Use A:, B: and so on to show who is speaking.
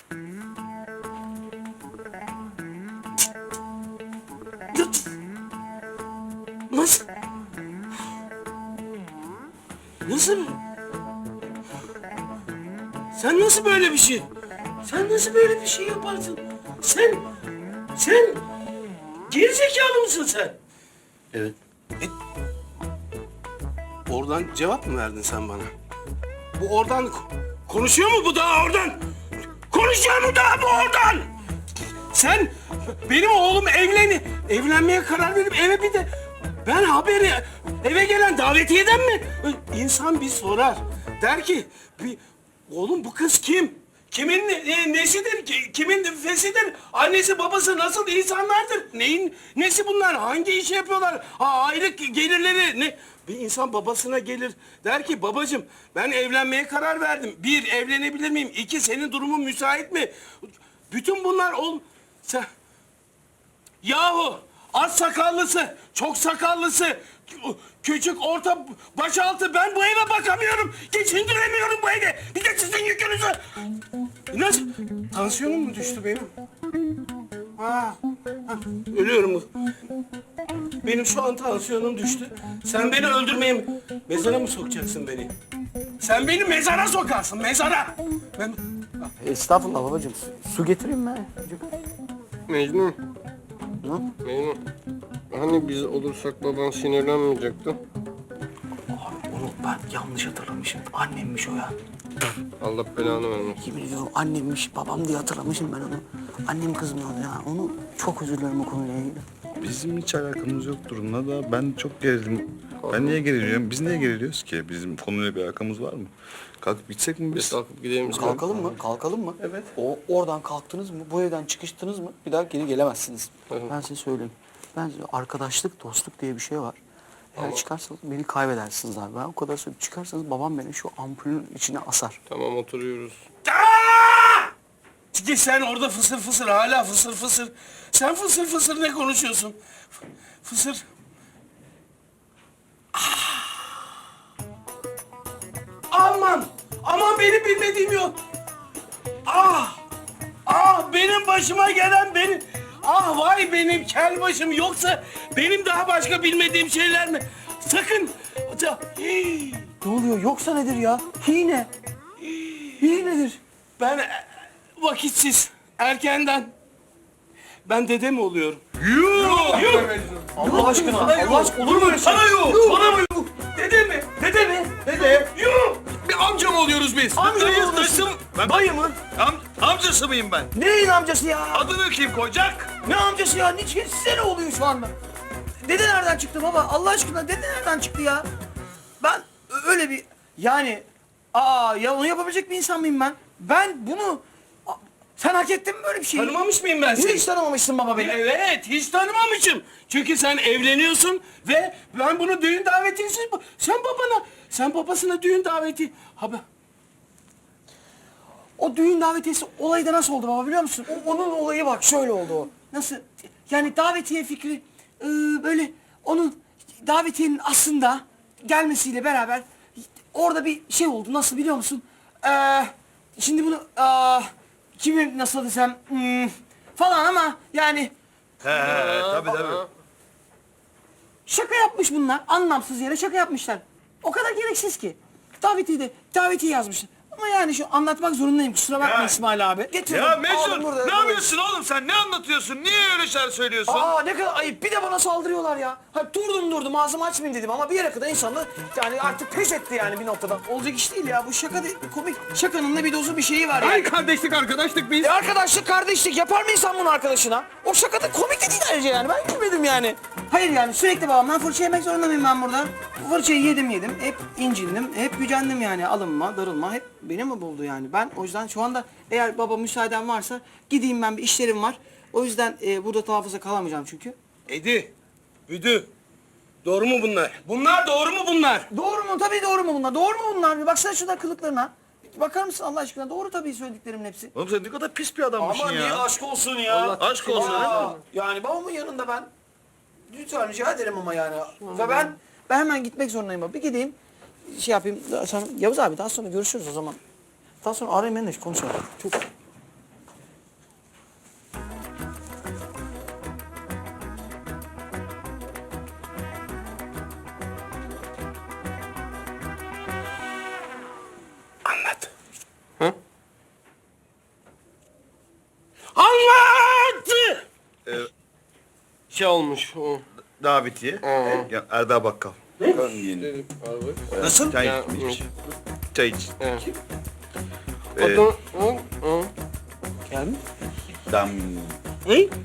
A: Nasıl? Nasıl? Sen nasıl böyle bir şey? Sen nasıl böyle bir şey yaparsın? Sen gerizekalı mısın sen?
B: Evet.
A: Oradan cevap mı verdin sen bana? Bu oradan konuşuyor mu bu daha oradan? Konuşuyor mu daha bu oradan? Sen benim oğlum evlenmeye karar verip eve bir de ben haberi eve gelen davetiyeden mi? İnsan bir sorar. Der ki oğlum bu kız kim? Kimin nesidir? Kimin fesidir? Annesi babası nasıl insanlardır? Neyin nesi bunlar? Hangi işi yapıyorlar? Aylık gelirleri ne? Bir insan babasına gelir der ki babacığım ben evlenmeye karar verdim. Bir, evlenebilir miyim? İki, senin durumun müsait mi? Bütün bunlar sen... Yahu az sakallısı, çok sakallısı, küçük, orta, başaltı ben bu eve bakamıyorum. Geçindiremiyorum bu evi. Bir de sizin yükünüzü. Nasıl? Tansiyonum mu düştü benim? Ölüyorum. Benim şu an tansiyonum düştü. Sen beni öldürmeye mezara mı sokacaksın beni? Sen beni mezara sokarsın, mezara.
B: Estağfurullah babacığım. Su getireyim mi?
C: Mecnun. Mecnun. Hani biz olursak baban sinirlenmeyecekti.
B: Abi onu ben yanlış hatırlamışım. Annemmiş o ya.
C: Allah belanı vermesin.
B: Yemin ediyorum annemmiş, babam diye hatırlamışım ben onu. Annem kızmıyor ya. Onu çok özür dilerim o konuyla ilgili.
D: Bizim hiç alakamız yok durumla da ben çok gerildim. Ben niye geriliyorum? Biz niye geriliyoruz ki? Bizim konuyla bir alakamız var mı? Kalkıp gitsek mi
C: Biz
D: biz?
C: kalkıp gidelim.
B: Kalkalım mı? Kalkalım mı?
A: Evet.
B: Oradan kalktınız mı? Bu evden çıkıştınız mı? Bir daha geri gelemezsiniz.
C: Evet.
B: Ben size söyleyeyim. Bence arkadaşlık, dostluk diye bir şey var. Eğer çıkarsanız beni kaybedersiniz abi. Ben o kadar söyleyeyim. Çıkarsanız babam beni şu ampulün içine asar.
C: Tamam oturuyoruz.
A: Ki sen orada fısır fısır hala fısır fısır. Sen fısır fısır ne konuşuyorsun? Fısır. Aman! Aman benim bilmediğim yok. Benim başıma gelen benim. Vay benim kel başım yoksa benim daha başka bilmediğim şeyler mi? Sakın. Hii.
B: Ne oluyor? Yoksa nedir ya? Hine. Hine nedir?
A: Ben vakitsiz, erkenden. Ben dede mi oluyorum?
B: Allah aşkına. Allah aşkına olur mu öyle şey?
A: Sana yok. Bana mı yok? Dede mi? Dede mi? Dede. Yok.
E: Bir amca mı oluyoruz biz?
B: Amca mı
E: Dayı-
B: oluyorsun?
E: dayısı mı? Ben
B: Dayı mı?
E: amcası mıyım ben?
B: Neyin amcası ya?
E: Adını kim koyacak?
B: Ne amcası ya? Niçin size ne oluyor şu anda? Dede nereden çıktı baba? Allah aşkına dede nereden çıktı ya? Ben öyle bir... Yani... ya onu yapabilecek bir insan mıyım ben? Ben bunu... Sen hak ettin mi böyle bir şeyi?
A: Tanımamış mıyım ben seni?
B: Hiç tanımamışsın baba beni.
A: Evet, hiç tanımamışım. Çünkü sen evleniyorsun ve ben bunu düğün davetiyesi... Sen babasına düğün daveti...
B: O düğün davetiyesi olayı da nasıl oldu baba biliyor musun? Onun olayı bak şöyle oldu o. Nasıl? Yani davetiye fikri böyle onun davetiyenin aslında gelmesiyle beraber orada bir şey oldu. Nasıl biliyor musun? Şimdi bunu kimi nasıl desem falan ama yani
E: Tabii.
B: şaka yapmış bunlar. Anlamsız yere şaka yapmışlar. O kadar gereksiz ki. Davetiye yazmışlar. Ama yani şu anlatmak zorundayım. Kusura bakma
E: Ya.
B: İsmail abi. Getir.
E: Ya
B: Aldım
E: Mecnun
B: burada.
E: ne yapıyorsun oğlum sen? Ne anlatıyorsun? Niye öyle şeyler söylüyorsun?
B: Ne kadar ayıp. Bir de bana saldırıyorlar ya. Durdum ağzımı açmayayım dedim ama bir yere kadar insanlar yani artık pes etti yani bir noktada. Olacak iş değil ya. Bu şaka değil. Komik. Şakanın da bir dozu bir şeyi var yani.
E: Kardeşlik arkadaşlık biz.
B: Arkadaşlık, kardeşlik yapar mı insan bunu arkadaşına? O şaka da komik de değil ayrıca yani. Ben gülmedim yani. Hayır yani sürekli babamdan fırça yemek zorunda mıyım ben burada? Fırçayı yedim. Hep incindim. Hep gücendim yani. Alınma, darılma hep beni mi buldu yani? Ben o yüzden şu anda eğer baba müsaaden varsa gideyim ben bir işlerim var. O yüzden burada daha fazla kalamayacağım çünkü.
A: Edi, Büdü. Doğru mu bunlar? Bunlar doğru mu bunlar?
B: Doğru mu? Tabii doğru mu bunlar? Doğru mu bunlar? Bir baksana şurada kılıklarına. Bir bakar mısın Allah aşkına? Doğru tabii söylediklerimin hepsi.
E: Oğlum sen ne kadar pis bir adammışsın ya.
B: aşk olsun ya.
E: Aşk olsun. ha?
B: Yani babamın yanında ben lütfen rica ederim ama yani. Ve ben hemen gitmek zorundayım baba. Bir gideyim şey yapayım. Sonra, Yavuz abi daha sonra görüşürüz o zaman. Daha sonra arayayım ben de konuşalım. Çok
C: Şey olmuş o.
D: Davetiye. Ya, Erdal Bakkal.
C: Dedim abi.
E: Nasıl?
D: Çay
C: Ya,
D: içmiş. Çay iç.
C: Evet.
D: Ee,
C: Adam,
D: Dam.